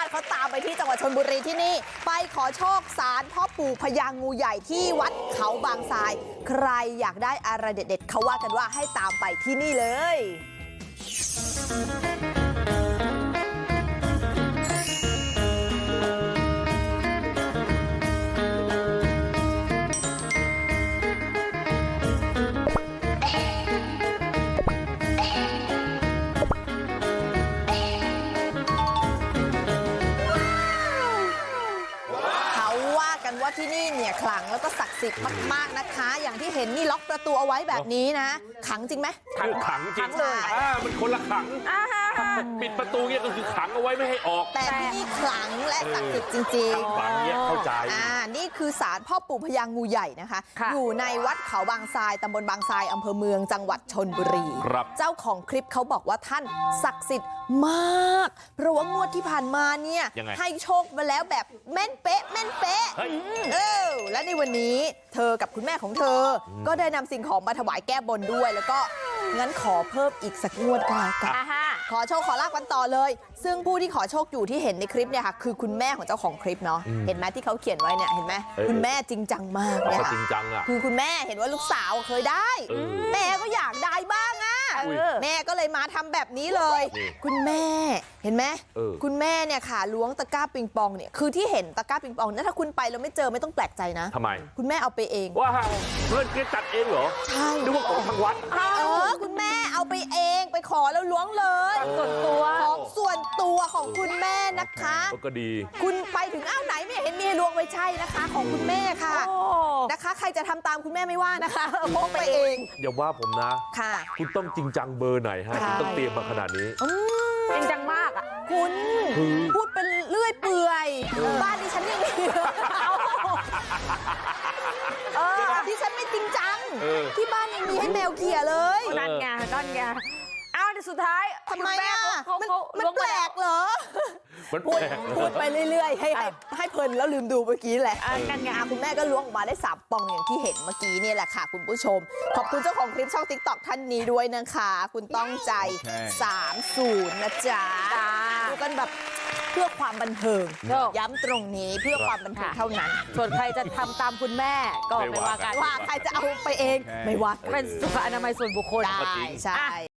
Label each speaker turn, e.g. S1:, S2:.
S1: เขาตามไปที่จังหวัดชลบุรีที่นี่ไปขอโชคศาลพ่อปู่พญางูใหญ่ที่วัดเขาบางทราย ใครอยากได้อะไรเด็ดๆเขาว่ากันว่าให้ตามไปที่นี่เลยว่าที่นี่เนี่ยขลังแล้วก็ศักดิ์สิทธิ์มากๆนะคะอย่างที่เห็นนี่ล็อกประตูเอาไว้แบบนี้นะขังจริงไหม
S2: ขังจริงเลยมันคนละขังปิดประตูเนี่ยก็คือขังเอาไว้ไม่ให้ออก
S1: แต่ที่นี่ขลังและศักดิ์สิทธิ์จริง
S2: ๆฝังเนี่ยเข้าใจ
S1: นี่คือศาลพ่อปู่พญางูใหญ่นะคะอยู่ในวัดเขาบางทรายตำบลบางทรายอำเภอเมืองจังหวัดชลบุรีเจ้าของคลิปเขาบอกว่าท่านศักดิ์สิทธิ์มากเพราะว่างวดที่ผ่านมาเนี่ยให้โชคมาแล้วแบบแม่นเป๊ะและในวันนี้เธอกับคุณแม่ของเธอก็ได้นำสิ่งของมาถวายแก้บนด้วยแล้วก็งั้นขอเพิ่มอีกสักงวดก็แล้วกันขอโชคขอลาบกันต่อเลยซึ่งผู้ที่ขอโชคอยู่ที่เห็นในคลิปเนี่ยค่ะคือคุณแม่ของเจ้าของคลิปเนาะเห็นไหมที่เขาเขียนไว้เนี่ยเห็นไหมคุณแม่จริงจังมากเนี่ยค่ะคือคุณแม่เห็นว่าลูกสาวเคยได้แม่ก็อยากได้บ้างอ่ะแม่ก็เลยมาทำแบบนี้เลยคุณแม่เห็นไหมคุณแม่เนี่ยค่ะล้วงตะกร้าปิงปองเนี่ยคือที่เห็นตะกร้าปิงปองเนี่ยถ้าคุณไปแล้วไม่เจอไม่ต้องแปลกใจนะ
S2: ทำไม
S1: คุณแม่เอาไปเอง
S2: ว่าเพื่อนแกจัดเองเหรอ
S1: ใช่
S2: นึกว่าของทางวัด
S1: คุณแม่เอาไปเองไปขอแล้วล้วงเลย
S3: ส่วนตัว
S1: ของส่วนตัวของคุณแม่นะคะ
S2: ก็ดี
S1: คุณไปถึงไหนไม่เห็นมีล้วงไปใช่นะคะของคุณแม่ค่ะนะคะใครจะทำตามคุณแม่ไม่ว่านะคะพกไปเอง
S2: อย่าว่าผมนะค่ะคุณต้องจริงจังเบอร์ไหนฮะคุณต้องเตรียมมาขนาดนี้
S3: จริงจังมากอ่ะ
S1: คุณพูดเป็นเลื่อยเปื่อยบ้านดิฉันยังมีที่ฉันไม่จริงจังที่บ้านยังมีให้แมวเขี่ยเลย
S3: นั่นไงเอาแต่สุดท้าย
S1: ทำไมอ่ะมันแปลกเหรอพูดไปเรื่อยๆให้เพลินแล้วลืมดูเมื่อกี้แหละ
S3: นั่นไง
S1: คุณแม่ก็ล้วงออกมาได้3 ปองอย่างที่เห็นเมื่อกี้นี่แหละค่ะคุณผู้ชมขอบคุณเจ้าของคลิปช่อง TikTok ท่านนี้ด้วยนะคะคุณต้องใจ30นะจ๊ะดูกันแบบเพื่อความบันเทิงย้ำตรงนี้เพื่อความบันเทิงเท่านั้น
S3: ส่วนใครจะทำตามคุณแม่ก็ไม่ว่ากัน
S1: ว่าใครจะเอาไปเองไม่ว่า
S3: เป็นสุขอนามัยส่วนบุคคล
S1: ใช่